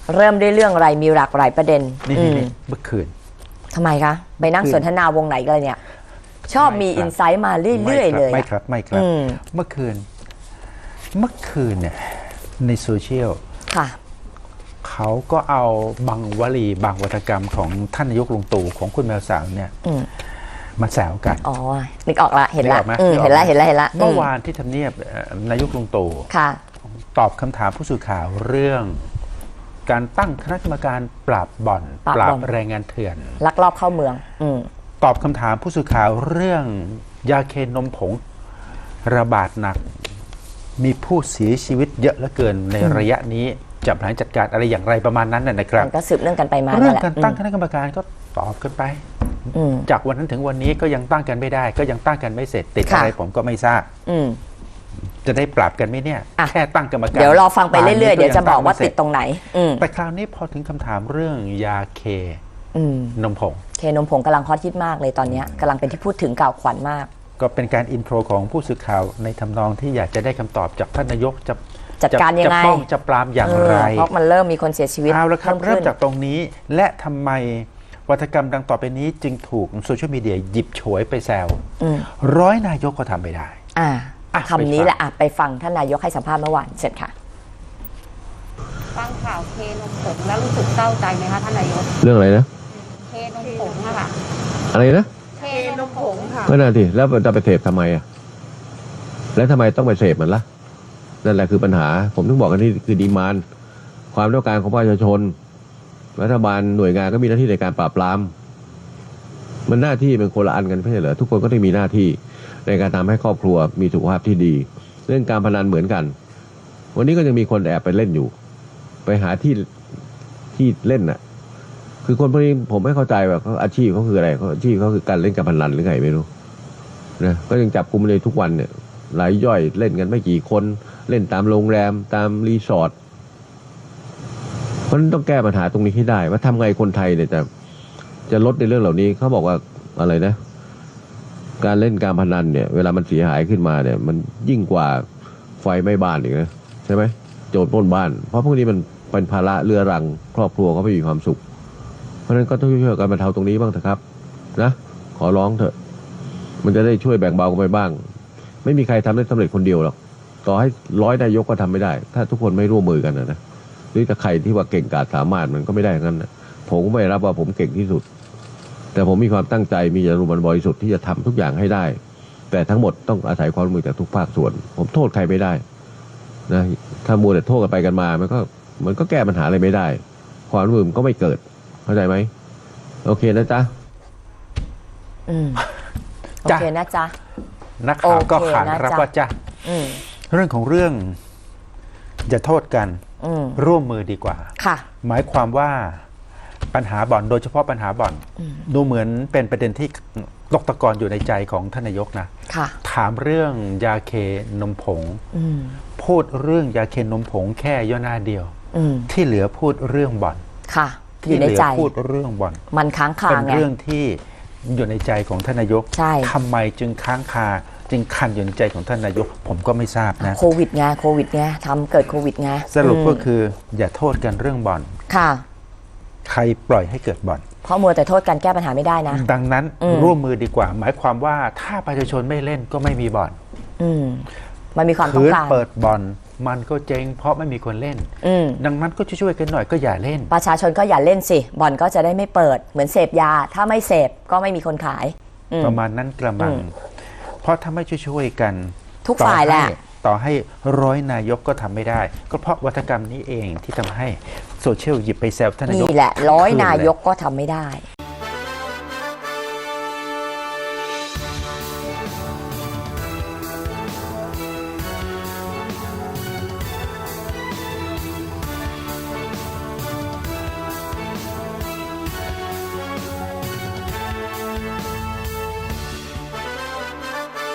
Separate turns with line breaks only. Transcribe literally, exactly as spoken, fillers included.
เริ่มด้วยเรื่องอะไรมีหลากหลายประเด็น
นี่เมื่อคืน
ทำไมคะไปนั่งสนทนาวงไหนกันเนี่ยชอบมีอินไซต์มาเรื่อยๆเลย
ไม่ครับไม่ครับเมื่อคืนเมื่อคืนเนี่ยในโซเชียล
ค่ะ
เขาก็เอาบางวลีบางวัฒกรรมของท่านนายกลุงตู่ของคุณแมวสาวเนี่ยมาแซวกัน
อ๋อนึกออกละเห็นละเห็นละเห็นละเห็นละ
เมื่อวานที่ทำเนียบนายกลุงตู่ตอบคำถามผู้สื่อข่าวเรื่องการตั้งคณะกรรมการปราบบ่อนปราบแรงงานเถื่อน
ลักลอบเข้าเมืองอื
ตอบคำถามผู้สื่อข่าวเรื่องยาเคนมผงระบาดหนักมีผู้เสียชีวิตเยอะเหลือเกินในระยะนี้จะบริหารจัดการอะไรอย่างไรประมาณนั้นนะครับ
ก็สืบเรื่องกันไปมา
เรื่องการตั้งคณะกรรมการก็ตอบกันไปจากวันนั้นถึงวันนี้ก็ยังตั้งกันไม่ได้ก็ยังตั้งกันไม่เสร็จติดอะไรผมก็ไม่ทราบจะได้ปรับกันไหมเนี่ยแค่ตั้งกรรมการ
เดี๋ยวรอฟังไปเรื่อยๆเดี๋ยวจะบอกว่าติดตรงไหน
แต่คราวนี้พอถึงคำถามเรื่องยาเคนมผง
เคนมผงกำลังฮอตฮิตมากเลยตอนนี้กำลังเป็นที่พูดถึงกล่าวขวัญมาก
ก็เป็นการอินโทรของผู้สื่อข่าวในทำนองที่อยากจะได้คำตอบจากท่านนายกจะ
จัดการยังไง
จะป้องจะปรามอย่างไร
เพราะมันเริ่มมีคนเสียชีวิต
เอาละครับเริ่มจากตรงนี้และทำไมวัฒกรรมดังต่อไปนี้จึงถูกโซเชียลมีเดียหยิบฉวยไปแซวร้อยนายกก็ทำไม่ได้
คำนี้แหละไปฟังท่านนายกให้สัมภาษณ์เมื่อวานเสร็จค่ะ
ฟังข่าวเคนมผงแล้วรู้สึกเศร้าใจไหมคะท่านนายก
เรื่องอะไรนะ
เคนมผงค่ะ
อะไรนะ
เคนมผงค่ะ
ก็น่าทีแล้วจะไปเสพทำไมอ่ะแล้วทำไมต้องไปเสพมันล่ะนั่นแหละคือปัญหาผมถึงบอกกันนี่คือดีมานด์ความต้องการของประชาชนรัฐบาลหน่วยงานก็มีหน้าที่ในการปราบปรามมันหน้าที่เป็นคนละอันกันไม่ใช่เหรอทุกคนก็ต้องมีหน้าที่ในการทำให้ครอบครัวมีสุขภาพที่ดีเรื่องการพนันเหมือนกันวันนี้ก็ยังมีคนแอบไปเล่นอยู่ไปหาที่ที่เล่นน่ะคือคนพวกนี้ผมไม่เข้าใจว่าเขาอาชีพเขาคืออะไรเขาอาชีพเขาคือการเล่นการพนันหรือไงไม่รู้นะก็ยังจับกุมเลยทุกวันเนี่ยรายย่อยเล่นกันไม่กี่คนเล่นตามโรงแรมตามรีสอร์ทเพราะฉะนั้นต้องแก้ปัญหาตรงนี้ให้ได้ว่าทำไงคนไทยเนี่ยจะจะลดในเรื่องเหล่านี้เขาบอกว่าอะไรนะการเล่นการพนันเนี่ยเวลามันเสียหายขึ้นมาเนี่ยมันยิ่งกว่าไฟไหม้บ้านอีกนะใช่ไหมโจรปล้นบ้านเพราะพวกนี้มันเป็นภาระเรื้อรังครอบครัวเขาไม่มีความสุขเพราะฉะนั้นก็ต้องช่วยกันบรรเทาตรงนี้บ้างเถอะครับนะขอร้องเถอะมันจะได้ช่วยแบ่งเบากันไปบ้างไม่มีใครทำได้สำเร็จคนเดียวหรอกต่อให้ร้อยนายกก็ทำไม่ได้ถ้าทุกคนไม่ร่วมมือกันนะนะหรือถ้าใครที่ว่าเก่งกาจสามารถมันก็ไม่ได้งั้นนะผมก็ไม่รับว่าผมเก่งที่สุดแต่ผมมีความตั้งใจมีจรรยาบรรณบริสุทธิ์ที่จะทำทุกอย่างให้ได้แต่ทั้งหมดต้องอาศัยความร่วมมือจากทุกภาคส่วนผมโทษใครไม่ได้นะถ้ามัวแต่โทษกันไปกันมามันก็มันก็แก้ปัญหาอะไรไม่ได้ความร่วมมือก็ไม่เกิดเข้าใจไหมโอเคนะจ๊ะ
อืมโอเคนะจ๊ะ
นักข่าวก็ขานรับว่าจ๊ะเรื่องของเรื่องอย่าโทษกันร่วมมือดีกว่า
ค่ะ
หมายความว่าปัญหาบ่อนโดยเฉพาะปัญหาบ่อนดูเหมือนเป็นประเด็นที่ตกตะกอนอยู่ในใจของท่านนายกนะถามเรื่องยาเคนมผงพูดเรื่องยาเคนมผงแค่ย่อหน้าเดียวที่เหลือพูดเรื่องบ่อน
ค่ะ
ที่เหลือพูดเรื่องบ่อน
มันค้างคา
เป็นเรื่องที่อยู่ในใจของท่านนายกทำไมจึงค้างคาจึงคันอยู่ในใจของท่านนายกผมก็ไม่ทราบนะ
โควิดไงโควิดไงทำเกิดโควิดไง
สรุปก็คืออย่าโทษกันเรื่องบ่อน
ค่ะ
ใครปล่อยให้เกิดบ่อน
เพราะมัวแต่โทษกันแก้ปัญหาไม่ได้นะ
ดังนั้นร่วมมือดีกว่าหมายความว่าถ้าประชาชนไม่เล่นก็ไม่มีบ่อน
มันมีความต้องการ
เปิดบ่อนมันก็เจ๊งเพราะไม่มีคนเล่นดังนั้นก็ช่วยๆกันหน่อยก็อย่าเล่น
ประชาชนก็อย่าเล่นสิบ่อนก็จะได้ไม่เปิดเหมือนเสพยาถ้าไม่เสพก็ไม่มีคนขาย
ประมาณนั้นกระมังเพราะถ้าไม่ช่วยๆกัน
ทุกฝ่ายแหละ
ต่อให้ร้อยนายกก็ทำไม่ได้ก็เพราะวัฒกรรมนี้เองที่ทำให้โซเชียลหยิบไปแซวท่านนายก
นี่แหละร้อยนายกก็ทำไม่ได้